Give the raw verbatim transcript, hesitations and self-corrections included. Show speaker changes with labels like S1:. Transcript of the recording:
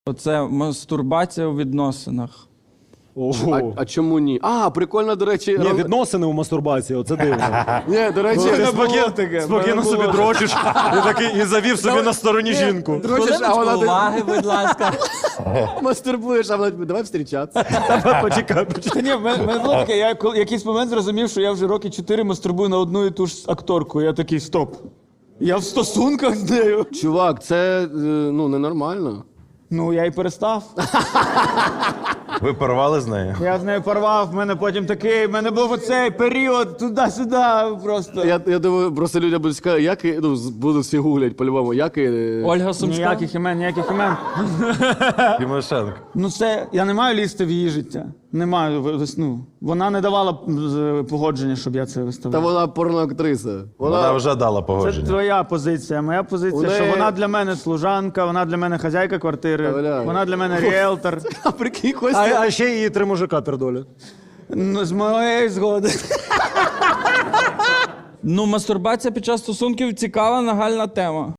S1: Оце мастурбація у відносинах.
S2: А, а чому ні? А, прикольно, до речі.
S3: Ні,
S2: ран-
S3: відносини у мастурбації, оце дивно.
S2: Ні, до речі,
S3: Спокійно, спокійно собі дрочиш і такий і завів собі на стороні жінку.
S2: дрочиш, а вона ти
S1: Уваги, будь ласка.
S2: мастурбуєш, а вона давай встрічатися.
S3: Почекай, почекай.
S4: Та ні, в мене в мене було таке, я коли- якийсь момент зрозумів, що я вже роки чотири мастурбую на одну і ту ж акторку. Я такий, стоп. Я в стосунках з нею.
S2: Чувак, це е, ну ненормально.
S4: Ну, я й перестав.
S5: Ви порвали з нею?
S4: Я з нею порвав, в мене потім такий, в мене був оцей період туди-сюди просто.
S2: Я, я думаю, просто людям будуть сказати, як і- ну, з- будуть всі гуглять по-любому, як і...
S1: Ольга Сумська.
S4: Ніяких імен, ніяких імен.
S5: Тимошенко.
S4: Ну це, я не маю лізти в її життя. Не маю, ви- ну, вона не давала з- погодження, щоб я це
S2: Та
S4: виставляв.
S2: вона порноактриса.
S5: Вона
S2: Вона...
S5: вже дала
S4: Це
S5: погодження.
S4: твоя позиція. Моя позиція,
S2: У
S4: що
S2: неї-
S4: вона для мене служанка, вона для мене хазяйка квартири,
S2: Бля.
S4: вона для мене ріелтор.
S2: А прикинь,
S3: А,
S2: Костя.
S3: а ще її три мужика пердолять.
S4: Ну, з моєї згоди.
S1: Ну, мастурбація під час стосунків цікава нагальна тема.